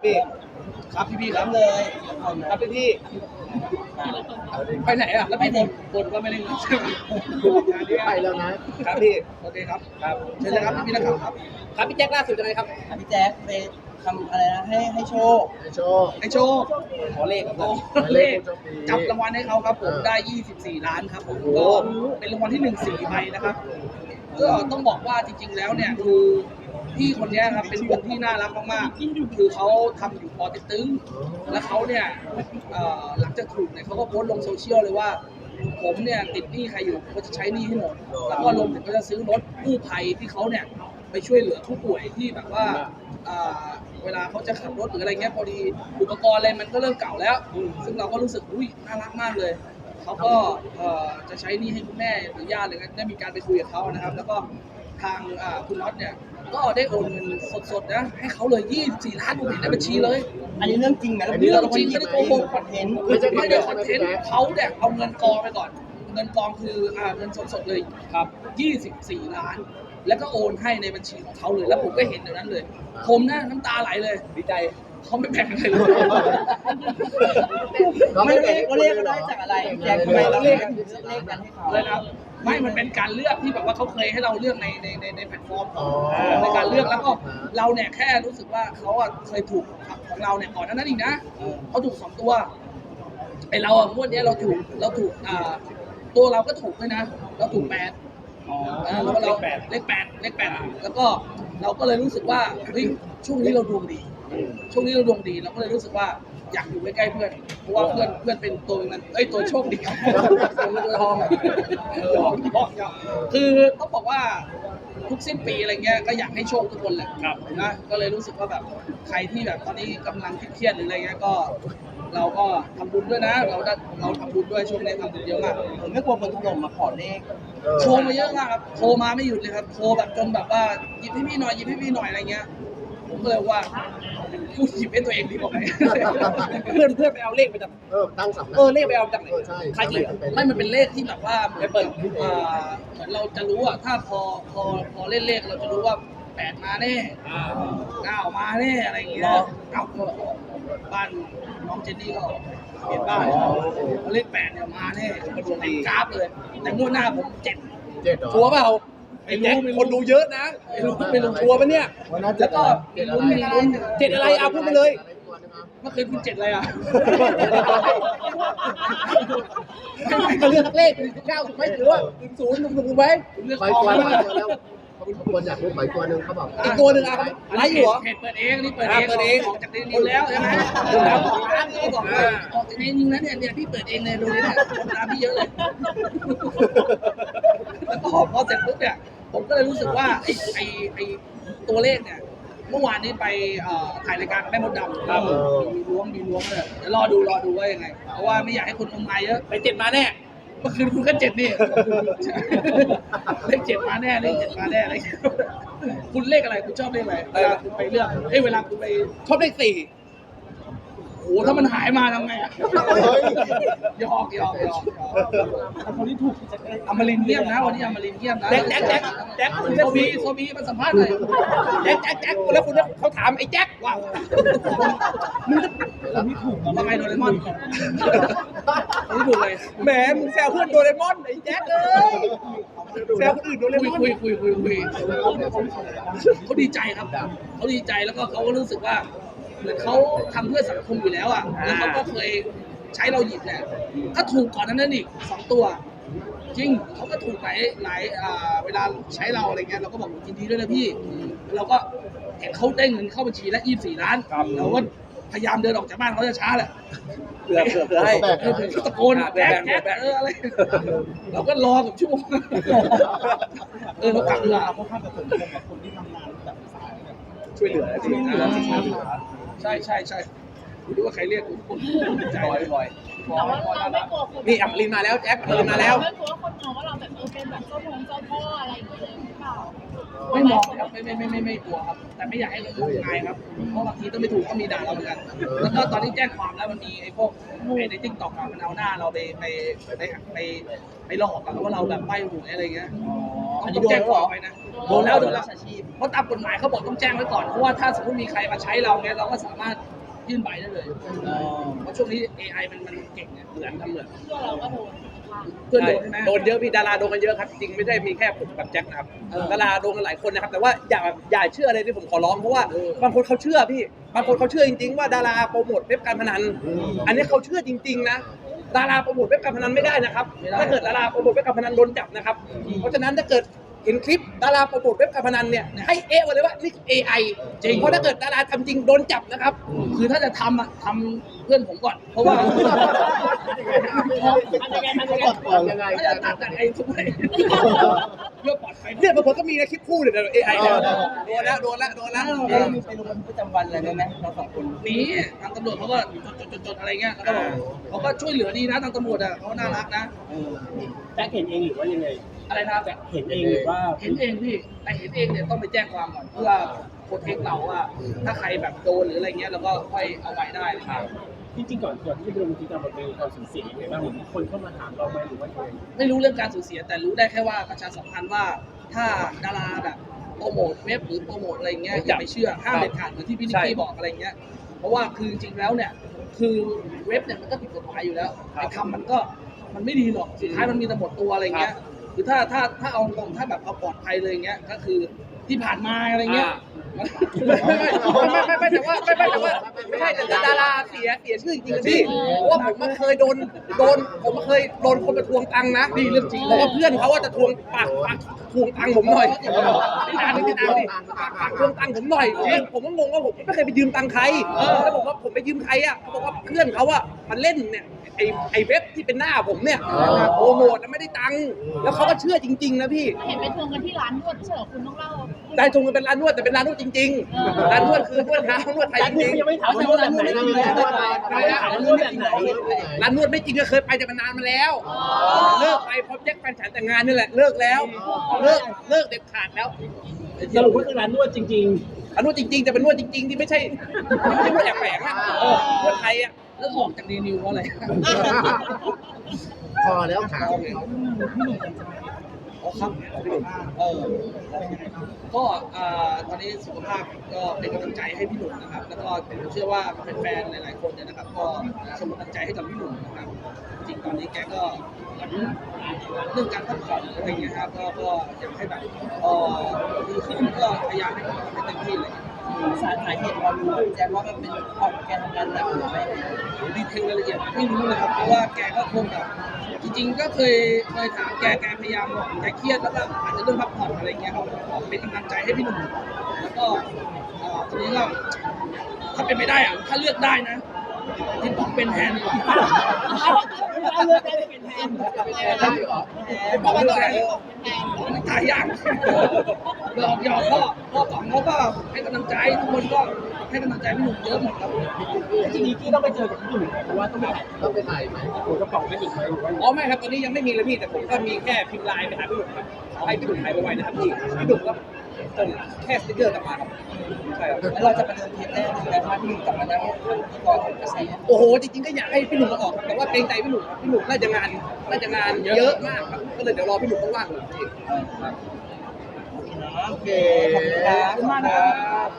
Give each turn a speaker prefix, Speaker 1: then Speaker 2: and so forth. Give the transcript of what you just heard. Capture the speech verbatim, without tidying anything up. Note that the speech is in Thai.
Speaker 1: พี่ครับพี่พี่ครับเลยครับพี่พี่ไปไหนอ่ะแล้วพี่บนบนว่าไม่ได้เงินใช่ไหม
Speaker 2: ไปแล้วนะครับ
Speaker 1: พี่โอเคครับครับเชิญเลยครับพี่นักข่าวครับครับพี่แจ็คล่าสุดยังไงครับ
Speaker 3: พี่แจ๊คไปทำอะไรนะให้ให้โชค
Speaker 2: ให้โชค
Speaker 1: ไอโชว์ขอเลขครับผมเลขจับรางวัลให้เขาครับผมได้ยี่สิบสี่ล้านครับผมก็เป็นรางวัลที่หนึ่งสี่ใบนะครับก็ต้องบอกว่าจริงๆแล้วเนี่ยคือพี่คนนี้ครับเป็นคนที่น่ารักมากๆคือเขาทำอยู่ปอเต็กตึงแล้วเขาเนี่ยหลังจากถูกเนี่ยเขาก็โพสต์ลงโซเชียลเลยว่าผมเนี่ยติดหนี้ใครอยู่ก็จะใช้หนี้ให้หมดแล้วก็รวมถึงก็จะซื้อรถกู้ภัยที่เขาเนี่ยไปช่วยเหลือผู้ป่วยที่แบบว่าเวลาเขาจะขับรถหรืออะไรเงี้ยพอดีอุปกรณ์อะไรมันก็เริ่มเก่าแล้ว ซึ่งเราก็รู้สึกอุ้ยน่ารักมากเลยเขาก็จะใช้หนี้ให้คุณแม่หรือญาติอะไรเงี้ยได้มีการไปคุยกับเขานะครับแล้วก็ทางคุณน็อตเนี่ยก็ได้โอนเงินสดๆนะให้เขาเลยยี่สิบสี่ล้านผมเห็นในบัญชีเลย
Speaker 3: อันนี้เรื่องจริงไหม
Speaker 1: เรื่องจริงไม่ได้โกหก
Speaker 3: คอนเทนต์
Speaker 1: ไม่ได้คอนเทนต์เขาเนี่ยเอาเงินกองไปก่อนเงินกองคืออ่าเงินสดๆเลยครับยี่สิบสี่ล้านแล้วก็โอนให้ในบัญชีของเขาเลยแล้วผมก็เห็นเดี๋ยวนั้นเลยผมนะน้ำตาไหลเลยดีใจเขาไม่แบ่งอะไรเลย
Speaker 3: ไม่เรียกว่าเรียกก็ได้จากอะไรแจ็คทำไมเราเรียกกันเลขกันให้เขา
Speaker 1: เลยนะไม่มันเป็นการเลือกที่แบบว่าเขาเคยให้เราเลือกในในในในแพลตฟอร์มในการเลือกแล้วก็เราเนี่ยแค่รู้สึกว่าเขาอ่ะเคยถูกของเราเนี่ยก่อนหน้านั้นอีกนะเขาถูกสองตัวไอเราอ่ะงวดนี้เราถูกเราถูกอ่าตัวเราก็ถูกด้วยนะเราถูกแปดแล้วก็เราเลขแปดเลขแปดแล้วก็เราก็เลยรู้สึกว่าเฮ้ยช่วงนี้เราดวงดีช่วงนี้เราดวงดีเราก็เลยรู้สึกว่าอยากอยู่ใกล้ๆเพื่อนเพราะว่าเพื่อนเพื่อนเป็นตัวนั้นเอ้ยตัวโชคดีตัวทองยอมยอมยอมคือต้องบอกว่าทุกสิ้นปีอะไรเงี้ยก็อยากให้โชคทุกคนแหละนะก็เลยรู้สึกว่าแบบใครที่แบบตอนนี้กำลังเครียดหรืออะไรเงี้ยก็เราก็ทำบุญด้วยนะเราเราทำบุญด้วยช่วงนี้ทำบุญเยอะมาก
Speaker 3: ผมไม่กลัวคนถล่มมาขอเลข
Speaker 1: โทรมาเยอะมากครับโทรมาไม่หยุดเลยครับโทรแบบจนแบบว่าหยิบให้พี่หน่อยหยิบให้พี่หน่อยอะไรเงี้ยผมก็เลยว่ากูหยิบให้ตัวเองดีกว่าไหมเพื่อนเพื่อนไปเอาเลขไปจาก
Speaker 2: เออตั้งสำนัก
Speaker 1: เออเลขไปเอาจากไหน
Speaker 2: เออใช่
Speaker 1: ใครอีกไม่มันเป็นเลขที่แบบว่าเหมือนเปิดอ่าเหมือนเราจะรู้อ่ะถ้าพอพอพอเล่นเลขเราจะรู้ว่าแปดมาแน่เก้ามาแน่อะไรอย่างเงี้ยเก้าก็บ้านน้องเจนนี่ก็เปลี่ยนบ้านเลขแปดเนี่ยมาแน่มันดวงดีกราฟเลยแต่งวดหน้าผมเจ็ด
Speaker 2: เจ็ดเหรอ
Speaker 1: ชัวร์เปล่าไอ้แจ็คคนดูเยอะนะไม่รู้ไม่รู้ชัวร์ปะเนี่ย
Speaker 2: วันนั้น
Speaker 1: แล้วก็
Speaker 2: เจ็ด
Speaker 1: มี
Speaker 2: อะไร
Speaker 1: ลุ้นมีลุ้นเจ็ดอะไรเอาพูดไปเลย
Speaker 2: อะไรตัวนึงอ่ะ
Speaker 1: เมื่อคืนคุณเจ็ดอะไรอ่ะก็เลือกเลขหนึ่งเก้าถูกไหมหรือว่าหนึ่งศูนย์หนึ่งถูกไหมเลือก
Speaker 2: ไป
Speaker 1: ออก
Speaker 2: ตัว
Speaker 1: แล้ว
Speaker 2: แล้วเขาคนอยากรู้ไปตัวนึงเขาบอก
Speaker 1: อีกตัวหนึ่งอ่ะไลฟ์อยู่เหรอเพจเปิดเองนี่เปิดเองเปิดเองออกจากในนี้แล้วใช่ไหมดูแล้วสองล้านก็บอกว่าออกจากในนี้แล้วเนี่ยเนี่ยพี่เปิดเองเลยดูนี่เนี่ยคนตามพี่เยอะเลยแล้วก็พอเสร็จปุ๊บเนี่ยผมก็เลยรู้สึกว่าไอ้ไอ้ไอ้ตัวเลขเนี่ยเมื่อวานนี้ไปถ่ายรายการแม่มดดำครับมีล้วงมีล้วงเลยเดี๋ยวรอดูรอดูว่ายังไงเพราะว่าไม่อยากให้คนงมงายเยอะไปเจ็ดมาแน่เมื่อคืนคุณก็เจ็ดนี่เลขเจ็ดมาแน่เลขเจ็ดมาแน่อะไรคุณเลขอะไรคุณชอบเลขอะไรเวลาคุณไปเลือกเอ้ยเวลาคุณไปชอบเลขสี่โอ้ถ้ามันหายมาทำไงอ่ะหยอกหยอกหยอกคนที่ถูกอมรินเยี่ยมนะวันนี้อมรินเยี่ยมนะแจ็คแจ็คแจ็คแจ็คโซบีโซบีมาสัมภาษณ์หน่อยแจ็คแจ็คแจ็คแล้วคุณเขาถามไอ้แจ็คว่ามึงจะไม่ถูกทำไมโดเรมอนไม่ถูกเลยแหมมึงแซวเพื่อนโดเรมอนไอ้แจ็คเอ้ยแซวคนอื่นโดเรมอนคุยคุยคุยคุยเขาดีใจครับเขาดีใจแล้วก็เขาก็รู้สึกว่าเหมือนเขาทำเพื่อสังคมอยู่แล้วอ่ะแล้วเขาก็เคยใช้เราหยิบแหละก็ถูกก่อนนั้นอีกสองตัวจริงเขาก็ถูกหลายหลายเวลาใช้เราอะไรเงี้ยเราก็บอกยินดีด้วยนะพี่เราก็เห็นเขาได้เงินเข้าบัญชีแล้วยี่สิบสี่ล้านเราก็พยายามเดินออกจากบ้านเขาจะช้าแหละเผื่อเผื่อเผื่อให้ตะโกนแบกแบกแบกเอออะไรเราก็รอกับชั่วโมงเออเรากลับเวลาเพราะข้ามกับคนที่ทำงานแบบสายช่วยเหลือจริงนะใช่ใช่ใช่ดูว่าใครเรียกทุกคนใจบ่อยบ่อยนี่อัมรินมาแล้วแจ็คอัมรินมาแล้ว
Speaker 4: ไม่กลัวคนมองว่าเราแบบเออเป็นแบบเจ้าพงเจ้าพ่ออะไรอย่างเงี้ยหรือเปล่า
Speaker 1: ไม่มองครับไม่ไม่ไม่ไม่ไม่กลัวครับแต่ไม่อยากให้เราถูกงายครับเพราะบางทีต้องไม่ถูกก็มีด่าเราเหมือนกันแล้วก็ตอนที่แจ้งความแล้วมันมีไอ้พวกไอ้ในติ๊กต็อกมันเอาหน้าเราไปไปไปไปไปหลอกกันว่าเราแบบใบ้หวยอะไรเงี้ยต้องแจ้งความไปนะโดนแล้วโดนแล้วเพราะตามกฎหมายเขาบอกต้องแจ้งไว้ก่อนเพราะว่าถ้าสมมติมีใครมาใช้เราเนี่ยเราก็สามารถยื่นใบได้เลยเพราะช่วงนี้ เอ ไอ มันมันเก่งเนี่ยเหมือนทำเหมือน
Speaker 4: เพื่อเราก็โดน
Speaker 1: เพื่อนโดนใช่ไหม
Speaker 5: โดนเยอะพี่ดาราโดนกันเยอะครับจริงไม่ได้มีแค่ผมกับแจ็คนะครับดาราโดนกันหลายคนนะครับแต่ว่าอย่าอย่าเชื่ออะไรที่ผมขอร้องเพราะว่าบางคนเขาเชื่อพี่บางคนเขาเชื่อจริงๆว่าดาราโปรโมทเว็บการพนันอันนี้เขาเชื่อจริงๆนะดาราโปรโมทเว็บการพนันไม่ได้นะครับถ้าเกิดดาราโปรโมทเว็บการพนันโดนจับนะครับเพราะฉะนั้นถ้าเกิดเห็นคลิปดาราโปรโมทเว็บการพนันเนี่ยให้เอะไว้เลยว่านี่ เอ ไอ จริงเพราะถ้าเกิดดาราทำจริงโดนจับนะครับ
Speaker 1: คือถ้าจะทำอ่ะทำเพื่อนผมก่อน เพราะว่า
Speaker 2: ก่อนยังไง
Speaker 1: ถ้าจะตัดแต่ไอ้ทุกคนเพื่อปลอดภัย
Speaker 5: เนี่ยบางคนก็มีนะคลิปคู่เนี่ยเอไอเนี่ยโดนแล้วโดนแล้วโดนแล้ว
Speaker 3: เรามีไปลงบันทึกประจำวันอะไรไหมเราสองคน
Speaker 1: นี้ทางตำรวจเขาก็จดๆๆอะไรเงี้ยแล้วก็เขาก็ช่วยเหลือดีนะทางตำรวจอ่ะเขาน่ารักนะ
Speaker 6: แจ็คเห็นเองหรือว่ายังไง
Speaker 1: อะไรนะ
Speaker 6: เห็นเองหรือว่า
Speaker 1: เห็นเองพี่แต่เห็นเองเนี่ยต้องไปแจ้งความก่อนเพื่อโปรเทคเราว่าถ้าใครแบบโดนหรืออะไรเงี้ยเราก็ค่อยเอาไว้ได้ครับ
Speaker 6: จริงๆก่อนก่อนที่จะไปลงบันทึกประจำวันเป็นความสูญเสียยังไงบ้างมีคนเข้ามาถามเราไหมหรือว่ายังไง
Speaker 1: ไม่รู้เรื่องการสูญเสียแต่รู้ได้แค่ว่าประชาสัมพันธ์ว่าถ้าดาราแบบโปรโมทเว็บหรือโปรโมทอะไรเงี้ยอย่าไปเชื่อห้ามเด็ดขาดเหมือนที่พี่นิกกี้บอกอะไรเงี้ยเพราะว่าคือจริงๆแล้วเนี่ยคือเว็บเนี่ยมันก็ผิดกฎหมายอยู่แล้วไอ้ทำมันก็มันไม่ดีหรอกสุดท้ายมันมีแต่หมดตัวอะไรเงี้ยคือถ้าถ้าถ้าเอาตรงถ้าแบบเอาปลอดภัยเลยเงี้ยก็คือที่ผ่านมาอะไรเงี้ย
Speaker 5: ไม่ไม่ไม่ไม่ไม่แต่ว่าไม่ไม่แต่ว่าไม่ใช่แต่ดาราเสียเสียชื่อจริงๆพี่เพราะว่าผมมาเคยโดนโดนผมมาเคยโดนคนมาทวงตังค์นะนี่เรื่องจริงเพราะว่าเพื่อนเขาว่าจะทวงปากปากทวงตังค์ผมหน่อยพี่นานนี่พี่นานนี่ปากปากทวงตังค์ผมหน่อยผมก็งงว่าผมไม่เคยไปยืมตังค์ใครแล้วบอกว่าผมไปยืมใครอ่ะเขาบอกว่าเพื่อนเขาอ่ะมันเล่นเนี่ยไอไอเว็บที่เป็นหน้าผมเนี่ยโปรโมทแล้วไม่ได้ตังค์แล้วเขาก็เชื่อจริงๆนะพี่
Speaker 4: เห็นไปทวงกันที่ร้านนวดไม่ใช่เหรอคุณต้องเล่า
Speaker 5: ได้ทงกันเป็นร้านนวดแต่เป็นร้านนวดจริงๆ ร้านนวดคือนวดเท้านวดไทยจริง
Speaker 6: ยังไม่ถามว่าแบบไหนถามว่าแบบไหน
Speaker 5: ๆ ร้านนวดไม่จริงก็เคยไปแต่มันนานมาแล้ว เลิกไปพร้อมแจ็คแฟนฉันแต่งงานนี่แหละเลิกแล้ว เลิกเลิกเด็ดขาดแล้ว
Speaker 6: สรุปว่าคือร้านนวดจริง
Speaker 5: ร้านนวดจริงๆแต่เป็นนวดจริงๆที่ไม่ใช่ไม่ใช่นวดแอบแฝงอะนวดไทยอะ
Speaker 1: แล้วออกจากรีนิวเพราะอะไร
Speaker 2: พอแล้วถาม
Speaker 1: อ๋อครับพี่หนุ่มเออก็อ่าตอนนี้สุขภาพก็เป็นกำลังใจให้พี่หนุ่มนะครับ แล้วก็ผมเชื่อว่าแฟนๆหลายๆคนเนี่ยนะครับ ก็ส่งกำลังใจให้กับพี่หนุ่มนะครับ จริงตอนนี้แกก็เหมือนเรื่องการพักผ่อนอะไรอย่างเงี้ยครับ ก็ก็อยากให้แบบเออดีขึ้นก็พยายามให้ให้เต็มที่เลย
Speaker 3: สาเหตุเรารู้แจ้งว่ามันเป็นเพราะแกทำงานหนักหรือไม่
Speaker 1: ดีเทลรายละเอียดไม่รู้เลยครับเพราะว่าแกก็คงแบบจริงๆ ก็เคยเคยถามแกแกพยายามบอกแกเครียดแล้วก็อาจจะเรื่องพักผ่อนอะไรเงี้ยครับเป็นกำลังใจให้พี่หนุ่มแล้วก็เอ่อทีนี้ก็ถ้าเป็นไม่ได้อะถ้าเลือกได้นะที่ผมเป็นแทนดีกว่า
Speaker 6: ๆเลือกได้เป็นแทน
Speaker 1: บอกเลือกแทนมันตายยากหยอกหยอกพ่อพ่อป๋องเขาก็ให้กำลังใจทุกคนก็ให้กำลังใจพี่หนุ่มเยอะหมดครับ
Speaker 6: จริงๆที่ต้องไปเจอกับพี่หนุ่มเพราะว่าต้องไปถ่าย
Speaker 2: ต้องไปถ่ายไหม
Speaker 6: หัวกระป๋องกันอีกไหมหรือว่า
Speaker 5: อ๋อไม่ครับตอนนี้ยังไม่มีเลยพี่แต่ผมก็มีแค่พิมพ์ไลน์ไปหาพี่หนุ่มครับขอให้พี่หนุ่มหายไวๆนะครับพี่พี่หนุ่มก็ส่งแค่สติ๊กเกอร์กลับมาครับใช่ครับ
Speaker 3: แล้วเราจะประเดิมเทปแรกในการที่กลับมานั่งที่กองกระแส
Speaker 5: โอ้โหจริงๆก็อยากให้พี่หนุ่มมาออกครับแต่ว่าเกรงใจพี่หนุ่มครับพี่หนุ่มน่าจะงานน่าจะงานเยอะมากครับก็เลยเดี๋ยวรอพี่หนุ่มว่างๆเลย
Speaker 2: โอเค
Speaker 3: ขอบคุณครับ
Speaker 1: ขอบคุณมากนะครับ